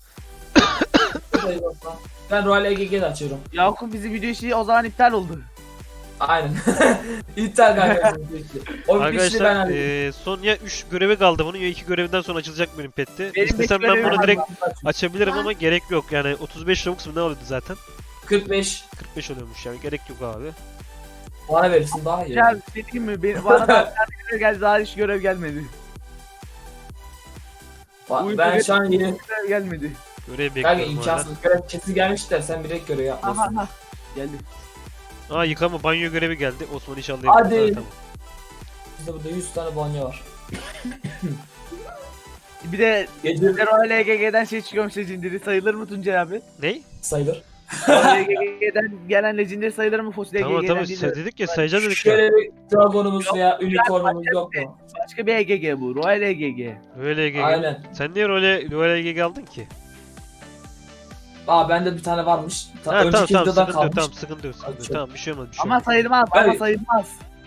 [SPEAKER 3] Hayır Osman. Ben Royal E G G'de açıyorum.
[SPEAKER 2] Yakup bizi video işi o zaman iptal oldu.
[SPEAKER 3] Aynen. İptal kanka. O bir işini ben
[SPEAKER 1] Arkadaşlar
[SPEAKER 3] halledeyim.
[SPEAKER 1] eee son ya üç görevi kaldı bunun ya iki görevinden sonra açılacak benim petti.
[SPEAKER 2] Benim
[SPEAKER 1] İstesem
[SPEAKER 2] beş
[SPEAKER 1] ben
[SPEAKER 2] görevim
[SPEAKER 1] bunu
[SPEAKER 2] var.
[SPEAKER 1] direkt açabilirim ama gerek yok. Yani otuz beş Robux mu ne oluyordu zaten?
[SPEAKER 3] kırk beş.
[SPEAKER 1] kırk beş oluyormuş yani gerek yok abi.
[SPEAKER 3] Bana verirsin daha iyi.
[SPEAKER 2] Ya bir şey diyeyim mi? Benim, bana da bir tane görev geldi daha hiç görev gelmedi.
[SPEAKER 3] Ba- ben şu an yeni
[SPEAKER 2] Görev gelmedi.
[SPEAKER 1] Görev
[SPEAKER 3] kanka
[SPEAKER 1] bekliyorum hala.
[SPEAKER 3] imkansız görev kesin gelmiş de sen direkt görev
[SPEAKER 2] Aha
[SPEAKER 3] yapmıyorsun.
[SPEAKER 2] aha. Geldi.
[SPEAKER 1] Aa yıkama banyo görevi geldi. Osman inşallah
[SPEAKER 3] Hadi.
[SPEAKER 1] yapar. Tamam.
[SPEAKER 3] Bizde burada yüz tane banyo var.
[SPEAKER 2] Bir de
[SPEAKER 3] Gece
[SPEAKER 2] bir de Royal E G G'den şey çıkıyormuş Legendary sayılır mı Tuncay abi?
[SPEAKER 1] Ney?
[SPEAKER 3] sayılır.
[SPEAKER 2] Royal E G G'den gelen Legendary sayılır mı Fossil
[SPEAKER 1] Tamam
[SPEAKER 2] E G G'den
[SPEAKER 1] tamam
[SPEAKER 2] değil
[SPEAKER 1] size
[SPEAKER 2] de
[SPEAKER 1] dedik ya sayacağız dedik ya.
[SPEAKER 3] Şöyle bir dragonumuz
[SPEAKER 2] Yok,
[SPEAKER 3] veya unicornumuz yok mu?
[SPEAKER 2] başka bir E G G bu. Royal E G G.
[SPEAKER 1] Öyle E G G.
[SPEAKER 3] Aynen.
[SPEAKER 1] Sen niye role role E G G aldın ki?
[SPEAKER 3] Aa bende bir tane varmış. Ta-
[SPEAKER 1] Ha tamam
[SPEAKER 3] önceki
[SPEAKER 1] tamam
[SPEAKER 3] videodan
[SPEAKER 1] sıkıntı yok
[SPEAKER 3] kalmış.
[SPEAKER 1] tamam sıkıntı yok sıkıntı yok.
[SPEAKER 3] Açıyorum.
[SPEAKER 1] Tamam bir şey olmaz bir şey
[SPEAKER 2] Ama
[SPEAKER 1] olmaz.
[SPEAKER 2] sayılmaz ama
[SPEAKER 3] Hayır.
[SPEAKER 2] sayılmaz.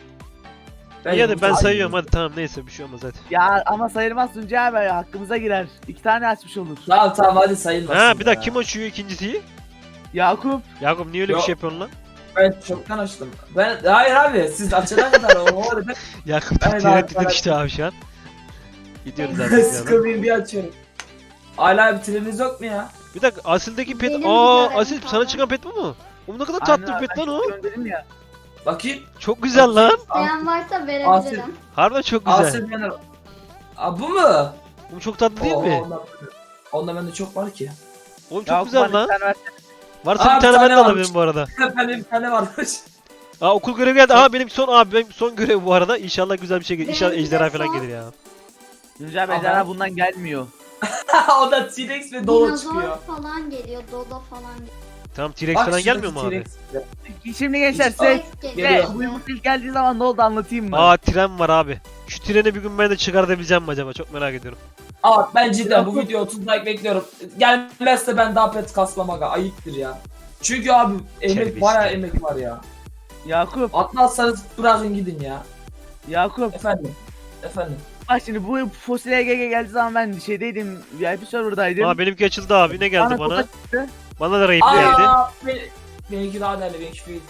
[SPEAKER 1] İyi hadi ben
[SPEAKER 3] Ay-
[SPEAKER 1] sayıyorum hadi tamam neyse bir şey olmaz hadi.
[SPEAKER 2] Ya ama sayılmaz Tuncay abi hakkımıza girer. İki tane açmış olur.
[SPEAKER 3] Tamam tamam hadi sayılmasın.
[SPEAKER 1] Ha bir dakika
[SPEAKER 3] ya.
[SPEAKER 1] kim açıyor ikincisiyi?
[SPEAKER 2] Yakup.
[SPEAKER 1] Yakup niye öyle bir
[SPEAKER 3] Yok.
[SPEAKER 1] şey yapıyorsun lan?
[SPEAKER 3] Ben çoktan açtım. Ben hayır abi siz açana kadar o arada
[SPEAKER 1] Yakup da
[SPEAKER 3] Ben
[SPEAKER 1] tiret
[SPEAKER 3] abi-
[SPEAKER 1] işte abi şu an. Gidiyoruz abi. bir yana.
[SPEAKER 3] sıkılmayayım diye açıyorum. Hala bitiriniz yok mu ya?
[SPEAKER 1] Bir dakika Asil'deki pet.
[SPEAKER 4] Benim
[SPEAKER 1] Aa
[SPEAKER 4] görevim
[SPEAKER 1] Asil sana
[SPEAKER 4] kaldı.
[SPEAKER 1] çıkan pet bu mu? O ne kadar
[SPEAKER 2] Aynen
[SPEAKER 1] tatlı bir
[SPEAKER 2] abi,
[SPEAKER 1] pet
[SPEAKER 2] ben
[SPEAKER 1] lan o.
[SPEAKER 2] çok gönderdim ya.
[SPEAKER 3] Bakayım.
[SPEAKER 1] Çok güzel lan.
[SPEAKER 4] İsteyen varsa
[SPEAKER 3] Asil.
[SPEAKER 4] verebilirim.
[SPEAKER 1] Harbiden çok güzel.
[SPEAKER 3] Asil Yener. Aa bu mu?
[SPEAKER 1] Bu çok tatlı değil
[SPEAKER 3] Oo,
[SPEAKER 1] mi?
[SPEAKER 3] Ondan, ondan bende çok var ki.
[SPEAKER 1] Oğlum çok
[SPEAKER 2] Yakup
[SPEAKER 1] güzel
[SPEAKER 2] bana
[SPEAKER 1] lan.
[SPEAKER 2] bir tane versene.
[SPEAKER 1] Varsa
[SPEAKER 3] Aa,
[SPEAKER 1] bir
[SPEAKER 3] bir
[SPEAKER 1] tane
[SPEAKER 3] tane
[SPEAKER 1] ben de alabilirim
[SPEAKER 3] varmış.
[SPEAKER 1] bu arada.
[SPEAKER 3] Bende bir tane varmış.
[SPEAKER 1] Aa okul görevi geldi. Aa benim son abi benim son görev bu arada. İnşallah güzel bir şey gelir. İnşallah
[SPEAKER 4] Benimki de
[SPEAKER 1] ejderha falan
[SPEAKER 4] son.
[SPEAKER 1] gelir ya.
[SPEAKER 2] Tuncay abi
[SPEAKER 3] Aha.
[SPEAKER 2] ejderha bundan gelmiyor.
[SPEAKER 3] O da T-Rex ve Dolo
[SPEAKER 4] Dinozor
[SPEAKER 3] çıkıyor.
[SPEAKER 4] falan geliyor. Dodo falan geliyor.
[SPEAKER 1] Tamam T-Rex
[SPEAKER 3] Bak
[SPEAKER 1] falan
[SPEAKER 3] şuradaki
[SPEAKER 1] gelmiyor mu abi?
[SPEAKER 3] T-Rex.
[SPEAKER 2] Şimdi gençler
[SPEAKER 3] İşte-
[SPEAKER 2] size
[SPEAKER 4] Geliyor.
[SPEAKER 3] Geliyor.
[SPEAKER 2] bu yumurta ilk geldiği zaman ne oldu anlatayım mı?
[SPEAKER 1] Aa tren var abi. Şu treni bir gün ben de çıkartabileceğim mi acaba? Çok merak ediyorum.
[SPEAKER 3] Aa ben cidden bu video otuz like bekliyorum. Gelmezse ben daha pet kasmam aga. Ayıptır ya. Çünkü abi emek
[SPEAKER 1] Terbiyesiz.
[SPEAKER 3] bayağı emek var ya.
[SPEAKER 2] Yakup,
[SPEAKER 3] Atmazsanız bırakın gidin ya.
[SPEAKER 2] Yakup.
[SPEAKER 3] Efendim. Efendim.
[SPEAKER 2] Bak şimdi bu Fossil E G G geldiği zaman ben şeydeydim, V I P serverdaydım.
[SPEAKER 1] Aa benimki açıldı abi. Ne geldi bana?
[SPEAKER 2] kutu çıktı.
[SPEAKER 1] Bana da raid geldi.
[SPEAKER 3] Aa ben, benimki daha değerli. Benimki değil.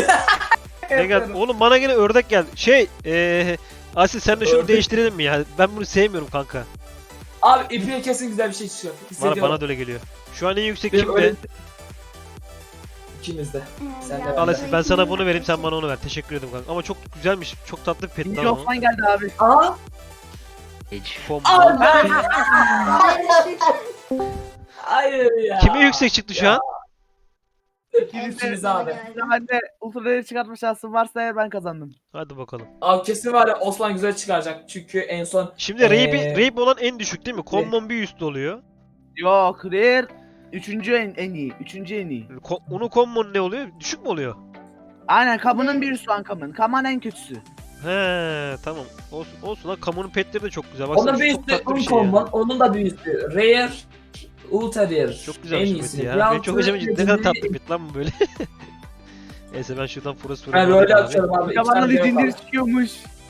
[SPEAKER 1] Ne geldi? Oğlum bana gene ördek geldi. Şey eee Asil sen de şunu
[SPEAKER 3] Ördek.
[SPEAKER 1] değiştirelim mi ya? Ben bunu sevmiyorum kanka.
[SPEAKER 3] Abi ipliğe kesin güzel bir şey çıkıyor.
[SPEAKER 1] Bana,
[SPEAKER 3] Hissediyorum.
[SPEAKER 1] bana da öyle geliyor. Şu an en yüksek
[SPEAKER 3] Benim
[SPEAKER 1] kimde?
[SPEAKER 3] öyle- İkimiz de.
[SPEAKER 4] Ee,
[SPEAKER 3] Sen de
[SPEAKER 4] ya,
[SPEAKER 1] Al
[SPEAKER 3] ben
[SPEAKER 1] Asil ben sana bunu vereyim sen bana onu ver. Teşekkür ederim kanka. Ama çok güzelmiş. Çok tatlı bir pet
[SPEAKER 2] İkinci
[SPEAKER 1] lan o.
[SPEAKER 2] Osman geldi abi.
[SPEAKER 3] Aa.
[SPEAKER 1] Combo.
[SPEAKER 3] Aa ben.
[SPEAKER 4] Hayır,
[SPEAKER 3] Hayır ya.
[SPEAKER 1] Kime yüksek çıktı şu an?
[SPEAKER 3] İkimiz abi.
[SPEAKER 2] Ben de ultraları çıkartma şansım varsa eğer ben kazandım.
[SPEAKER 1] Hadi bakalım.
[SPEAKER 3] Abi kesin var ya Osman güzel çıkaracak. Çünkü en son
[SPEAKER 1] Şimdi
[SPEAKER 3] Ee,
[SPEAKER 1] raid, raid olan en düşük değil mi? Common bir üst oluyor.
[SPEAKER 2] Yok, Rare üçüncü en, en iyi. Üçüncü en iyi.
[SPEAKER 1] Ko- Onu common ne oluyor? Düşük mü oluyor?
[SPEAKER 2] Aynen Kamun'un bir üstü Ankam'ın. Kaman en kötüsü.
[SPEAKER 1] He tamam. Olsun olsun lan kamunun petleri de çok güzel. Baksana
[SPEAKER 3] onun
[SPEAKER 1] şu
[SPEAKER 3] bir
[SPEAKER 1] çok
[SPEAKER 3] üstü
[SPEAKER 1] tatlı bir şey
[SPEAKER 3] Uncommon,
[SPEAKER 1] ya.
[SPEAKER 3] onun da bir üstü Rare, Ultra Rare.
[SPEAKER 1] Çok güzel
[SPEAKER 3] en
[SPEAKER 1] bir
[SPEAKER 3] iyisi.
[SPEAKER 1] pet ya.
[SPEAKER 3] Bir
[SPEAKER 1] Benim
[SPEAKER 3] altı
[SPEAKER 1] çok hoşuma gitti. Ne kadar
[SPEAKER 3] Legendary-
[SPEAKER 1] tatlı pet lan bu böyle. Neyse ben şuradan Forest
[SPEAKER 3] Ben öyle atıyorum abi.
[SPEAKER 2] Ya
[SPEAKER 3] iki
[SPEAKER 2] bana
[SPEAKER 3] tane yok
[SPEAKER 2] Legendary
[SPEAKER 3] abi.
[SPEAKER 2] çıkıyormuş.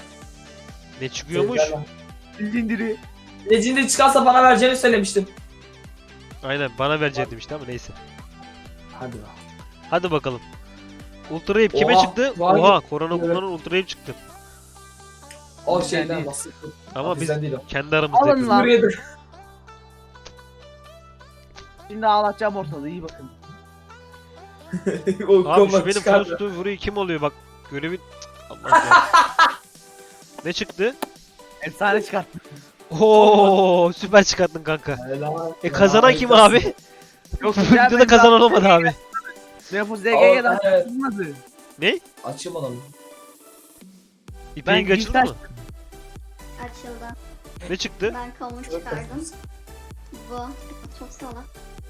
[SPEAKER 1] Ne çıkıyormuş?
[SPEAKER 2] Legendary.
[SPEAKER 3] Legendary çıkarsa bana vereceğini söylemiştim.
[SPEAKER 1] Aynen bana verecektim işte ama neyse.
[SPEAKER 3] Hadi be.
[SPEAKER 1] Hadi bakalım. Ultra Rape kime
[SPEAKER 3] Oha,
[SPEAKER 1] çıktı?
[SPEAKER 3] var
[SPEAKER 1] Oha
[SPEAKER 3] ya.
[SPEAKER 1] korona
[SPEAKER 3] Evet.
[SPEAKER 1] kullanan Ultra Rape çıktı.
[SPEAKER 3] O
[SPEAKER 2] Bizden
[SPEAKER 3] şeyden
[SPEAKER 2] değil.
[SPEAKER 3] bahsettim.
[SPEAKER 1] Ama biz
[SPEAKER 3] Bizden değil o.
[SPEAKER 1] kendi aramızda
[SPEAKER 2] Alın
[SPEAKER 1] yapıyoruz.
[SPEAKER 2] lan.
[SPEAKER 3] Suriye'de.
[SPEAKER 2] Şimdi ağlatacağım ortalığı iyi bakın.
[SPEAKER 3] O
[SPEAKER 1] Abi şu
[SPEAKER 3] combat
[SPEAKER 1] benim
[SPEAKER 3] çıkardı.
[SPEAKER 1] Frost'u vuruyor kim oluyor bak görevi... Allah ya. Ne çıktı?
[SPEAKER 2] Efsane çıkarttım.
[SPEAKER 1] Oo süper çıkarttın kanka.
[SPEAKER 3] Helal.
[SPEAKER 1] E kazanan kim
[SPEAKER 3] Harikasın.
[SPEAKER 1] abi?
[SPEAKER 2] Yok
[SPEAKER 1] Bu videoda kazanan olmadı abi.
[SPEAKER 2] Ne Fossil E G G'den
[SPEAKER 3] Aa, evet.
[SPEAKER 2] çıkmadı.
[SPEAKER 1] Ne?
[SPEAKER 3] Açayım onu.
[SPEAKER 1] İpeğin
[SPEAKER 2] Ben
[SPEAKER 1] kaçıldı mı?
[SPEAKER 2] Gültaş-
[SPEAKER 4] açıldı.
[SPEAKER 1] Ne çıktı?
[SPEAKER 4] Ben kamu çıkardım. Bu. Çok salak.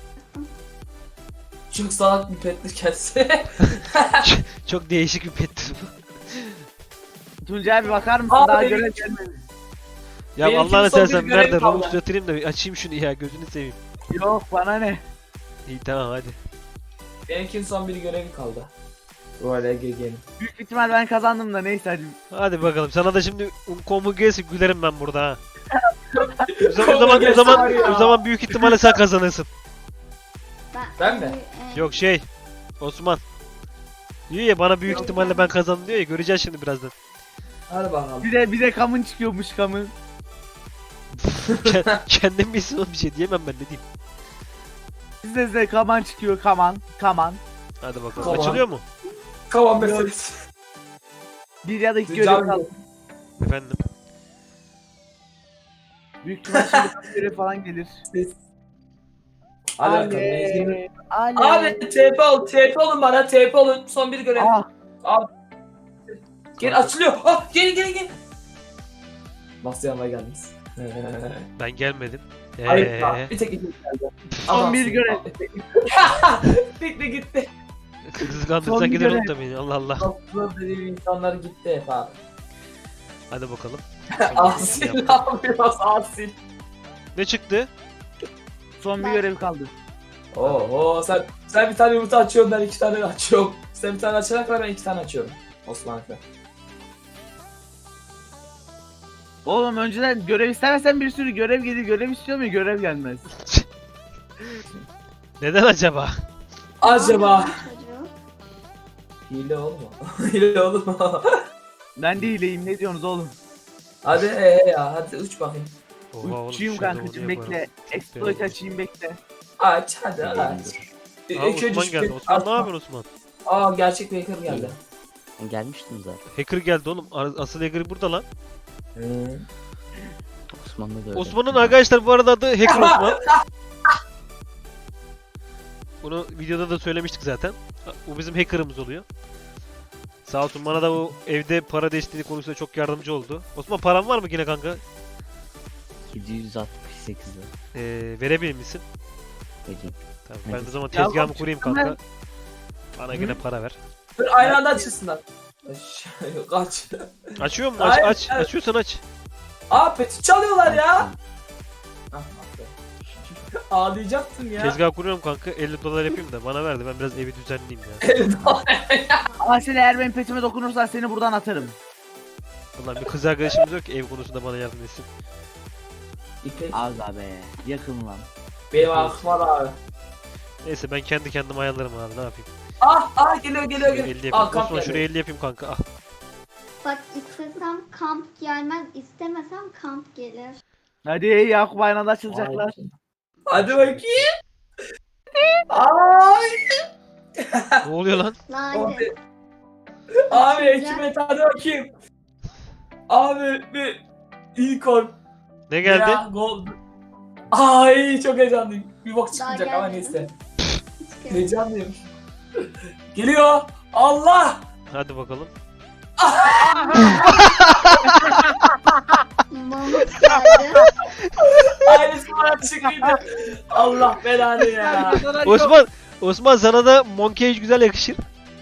[SPEAKER 3] Çok salak bir pettir kendisi.
[SPEAKER 1] Çok değişik bir pettir bu.
[SPEAKER 2] Tuncay abi bakar mısın?
[SPEAKER 3] Abi,
[SPEAKER 2] Daha
[SPEAKER 3] benim-
[SPEAKER 2] görev gelmedi.
[SPEAKER 1] Ya
[SPEAKER 3] Benimkinin
[SPEAKER 1] Allah'ını
[SPEAKER 3] son bir
[SPEAKER 1] seversen
[SPEAKER 3] görevi
[SPEAKER 1] nerede?
[SPEAKER 3] kaldı.
[SPEAKER 1] Robux yatırayım da bir açayım şunu ya, gözünü seveyim.
[SPEAKER 2] Yok bana ne?
[SPEAKER 1] İyi tamam hadi.
[SPEAKER 3] Benimkinin son bir görevi kaldı. Böyle gelin.
[SPEAKER 2] Büyük ihtimal ben kazandım da neyse hadi.
[SPEAKER 1] Hadi bakalım. Sana da şimdi komu gelsin, gülerim ben burada ha. O zaman o
[SPEAKER 3] Komu
[SPEAKER 1] zaman o
[SPEAKER 3] gelse
[SPEAKER 1] zaman,
[SPEAKER 3] var ya.
[SPEAKER 1] o zaman büyük ihtimalle sen kazanırsın.
[SPEAKER 4] Ben,
[SPEAKER 3] Ben mi?
[SPEAKER 4] e,
[SPEAKER 1] Yok şey, Osman. Diyor ya bana büyük
[SPEAKER 3] Yok.
[SPEAKER 1] ihtimalle ben kazandım diyor ya, göreceğiz şimdi birazdan.
[SPEAKER 3] Hadi bakalım.
[SPEAKER 2] Bir de bir de kamın çıkıyormuş kamın.
[SPEAKER 1] Kend- Kendim bilsin oğlum, bir şey diyemem ben, ne diyeyim.
[SPEAKER 2] Bizde size kaman çıkıyor kaman kaman.
[SPEAKER 1] Hadi bakalım.
[SPEAKER 3] Tamam.
[SPEAKER 1] Açılıyor mu?
[SPEAKER 3] Kavan meselesi.
[SPEAKER 2] Bir ya da iki
[SPEAKER 3] Tuncay
[SPEAKER 2] görev kaldı.
[SPEAKER 3] abi,
[SPEAKER 1] Efendim.
[SPEAKER 2] Büyük ihtimal şimdi görev falan gelir.
[SPEAKER 3] Hadi bakalım. Mecnun.
[SPEAKER 2] Ale.
[SPEAKER 3] Abi T P ol, T P olun bana, T P olun. Son bir görev.
[SPEAKER 2] Ah,
[SPEAKER 3] Abi. Gel açılıyor. Ah, gelin gelin gelin. Nasıl yanıma geldiniz?
[SPEAKER 1] Ben gelmedim.
[SPEAKER 3] Hayır,
[SPEAKER 1] Eee.
[SPEAKER 3] bir tek iki geldi.
[SPEAKER 2] son bir
[SPEAKER 3] Adamsın.
[SPEAKER 2] görev.
[SPEAKER 3] Gitti gitti.
[SPEAKER 1] Kızı
[SPEAKER 2] Son
[SPEAKER 1] kandırsan
[SPEAKER 2] bir
[SPEAKER 1] gider
[SPEAKER 2] görev.
[SPEAKER 1] oğlum da beni. Allah Allah.
[SPEAKER 3] Aslında dediğim insanlar gitti hep abi.
[SPEAKER 1] Hadi bakalım.
[SPEAKER 3] Asil ne yapıyoruz Asil?
[SPEAKER 1] Ne çıktı?
[SPEAKER 2] Son bir
[SPEAKER 4] Ben-
[SPEAKER 2] görev kaldı.
[SPEAKER 3] Oo sen sen bir tane yumurta açıyorsun, ben iki tane açıyorum. Sen bir tane açana kadar ben iki tane açıyorum. Osman Efe.
[SPEAKER 2] Oğlum önceden görev istemesen bir sürü görev gelir. Görev istiyor mu? Görev gelmez.
[SPEAKER 1] Neden acaba?
[SPEAKER 3] Acaba
[SPEAKER 4] çocuğu.
[SPEAKER 3] hile olma. Hile olur mu?
[SPEAKER 2] Ben de hileyim. Ne diyorsunuz oğlum?
[SPEAKER 3] Hadi ee ya hadi uç bakayım.
[SPEAKER 1] Oha oğlum,
[SPEAKER 2] Uçuyum
[SPEAKER 1] şurada
[SPEAKER 2] kankacım
[SPEAKER 1] onu
[SPEAKER 2] bekle.
[SPEAKER 1] yaparım.
[SPEAKER 2] Exploit açayım bekle.
[SPEAKER 3] Aç hadi aç.
[SPEAKER 1] Aa,
[SPEAKER 3] İlk önce
[SPEAKER 1] Osman
[SPEAKER 3] şu-
[SPEAKER 1] geldi. Osman ne
[SPEAKER 3] Açma.
[SPEAKER 1] yapıyorsun Osman?
[SPEAKER 3] Aa gerçek bir hacker geldi.
[SPEAKER 5] Ben gelmiştim zaten.
[SPEAKER 1] Hacker geldi oğlum. Ar- Asıl hacker burada lan.
[SPEAKER 3] Hı.
[SPEAKER 5] Osman'da da öyle.
[SPEAKER 1] Osman'ın arkadaşlar bu arada adı Hacker Osman. Bunu videoda da söylemiştik zaten. Bu bizim hacker'ımız oluyor. Sağ olsun bana da o evde para desteği konusunda çok yardımcı oldu. Osman paran var mı yine kanka?
[SPEAKER 5] yedi yüz altmış sekiz lira.
[SPEAKER 1] Ee, verebilir misin?
[SPEAKER 5] Vereyim.
[SPEAKER 1] Tamam, ben
[SPEAKER 5] Hadi.
[SPEAKER 1] o zaman
[SPEAKER 2] Ya
[SPEAKER 1] tezgahımı
[SPEAKER 2] bak,
[SPEAKER 1] kurayım
[SPEAKER 2] çıktım
[SPEAKER 1] kanka. Bana yine para ver.
[SPEAKER 3] Dur aynı anda açılsınlar. Kaç.
[SPEAKER 1] Açıyor mu? Aç,
[SPEAKER 3] Hayır,
[SPEAKER 1] aç.
[SPEAKER 3] evet.
[SPEAKER 1] Açıyorsan aç.
[SPEAKER 3] Aa peti çalıyorlar ya. Ah, Ağlayacaktım ya.
[SPEAKER 1] Tezgah kuruyorum kanka. elli dolar yapayım da bana verdi. Ben biraz evi düzenleyeyim ya.
[SPEAKER 2] Ama sen eğer benim petime dokunursan seni buradan atarım.
[SPEAKER 1] Ulan bir kız arkadaşımız yok ki ev konusunda bana yardım etsin.
[SPEAKER 3] İpek.
[SPEAKER 2] Aga be. Yakın lan.
[SPEAKER 3] Benim aklım var abi.
[SPEAKER 1] Neyse ben kendi kendime ayarlarım abi, ne yapayım.
[SPEAKER 3] Ah ah geliyor geliyor
[SPEAKER 1] Şuraya
[SPEAKER 3] geliyor.
[SPEAKER 1] elli
[SPEAKER 3] Ah
[SPEAKER 1] yapayım.
[SPEAKER 3] kamp
[SPEAKER 1] Osman
[SPEAKER 3] geldi.
[SPEAKER 1] şuraya elli yapayım kanka. Ah.
[SPEAKER 4] Bak istesem kamp gelmez, istemesem kamp gelir.
[SPEAKER 2] Hadi Yakup aynı anda açılacaklar.
[SPEAKER 3] Hadi bakayım. Ay.
[SPEAKER 1] Ne oluyor lan?
[SPEAKER 4] Lanet.
[SPEAKER 3] Abi ekmek hadi bakayım. Abi bir unicorn.
[SPEAKER 1] Ne geldi?
[SPEAKER 3] Ya, gold. Ay çok heyecanlıyım. Bir bok
[SPEAKER 4] Daha
[SPEAKER 3] çıkmayacak ama
[SPEAKER 4] gelmedi.
[SPEAKER 3] neyse.
[SPEAKER 4] Çıkıyor.
[SPEAKER 3] Heyecanlıyım. Geliyor. Allah.
[SPEAKER 1] Hadi bakalım.
[SPEAKER 4] Mamut geldi.
[SPEAKER 3] Aynısı bana çıkıyordu. Allah belanı ya.
[SPEAKER 1] Osman, Osman sana da Monkey güzel yakışır.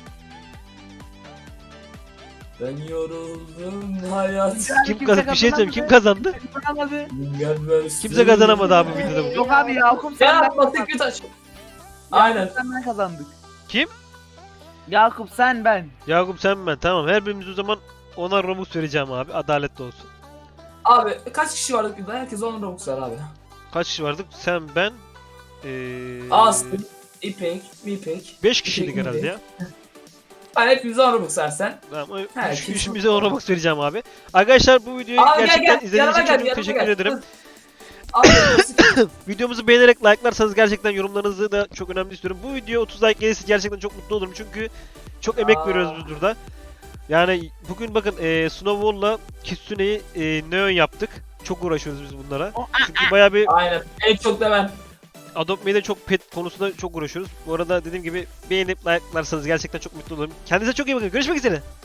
[SPEAKER 3] Ben yoruldum hayat.
[SPEAKER 1] Kim kazandı? Bir şey söyleyeyim. Kim kazandı?
[SPEAKER 2] Kazanamadı.
[SPEAKER 3] Gelmez.
[SPEAKER 1] Kimse kazanamadı abi bu videoda.
[SPEAKER 2] Yok abi Yakup sen
[SPEAKER 3] Ya
[SPEAKER 2] ben
[SPEAKER 3] batık
[SPEAKER 2] kazandık.
[SPEAKER 3] bir taş. Aynen.
[SPEAKER 2] Sen ben kazandık.
[SPEAKER 1] Kim?
[SPEAKER 2] Yakup sen ben.
[SPEAKER 1] Yakup sen ben. Tamam, her birimiz o zaman ona Robux vereceğim abi. Adaletli olsun.
[SPEAKER 3] Abi kaç kişi vardık burada? Herkes on Robux var abi.
[SPEAKER 1] Kaç kişi vardık? Sen, ben, ee,
[SPEAKER 3] Aslı, İpek, Mipek.
[SPEAKER 1] beş kişiydik
[SPEAKER 3] İpek
[SPEAKER 1] herhalde ya.
[SPEAKER 3] Hani hepimize on Robux versen.
[SPEAKER 1] Tamam,
[SPEAKER 3] He,
[SPEAKER 1] üç,
[SPEAKER 3] kesin.
[SPEAKER 1] üçümüze on Robux vereceğim abi. Arkadaşlar bu videoyu
[SPEAKER 3] Abi gel
[SPEAKER 1] gerçekten
[SPEAKER 3] gel.
[SPEAKER 1] izlediğiniz
[SPEAKER 3] Yanıma
[SPEAKER 1] için
[SPEAKER 3] gel.
[SPEAKER 1] çok
[SPEAKER 3] yanıma
[SPEAKER 1] teşekkür
[SPEAKER 3] gel.
[SPEAKER 1] ederim.
[SPEAKER 3] Abi
[SPEAKER 1] Videomuzu beğenerek like'larsanız gerçekten yorumlarınızı da çok önemli istiyorum. Bu video otuz like gelirse gerçekten çok mutlu olurum çünkü çok emek
[SPEAKER 3] Aa.
[SPEAKER 1] veriyoruz biz burada. Yani bugün bakın e, Snowball'la Kitsune'yi e, Neon yaptık. Çok uğraşıyoruz biz bunlara. Çünkü bayağı bir
[SPEAKER 3] aynen. En çok da ben.
[SPEAKER 1] Adopt Me'de çok pet konusunda çok uğraşıyoruz. Bu arada dediğim gibi beğenip like'larsanız gerçekten çok mutlu olurum. Kendinize çok iyi bakın. Görüşmek üzere.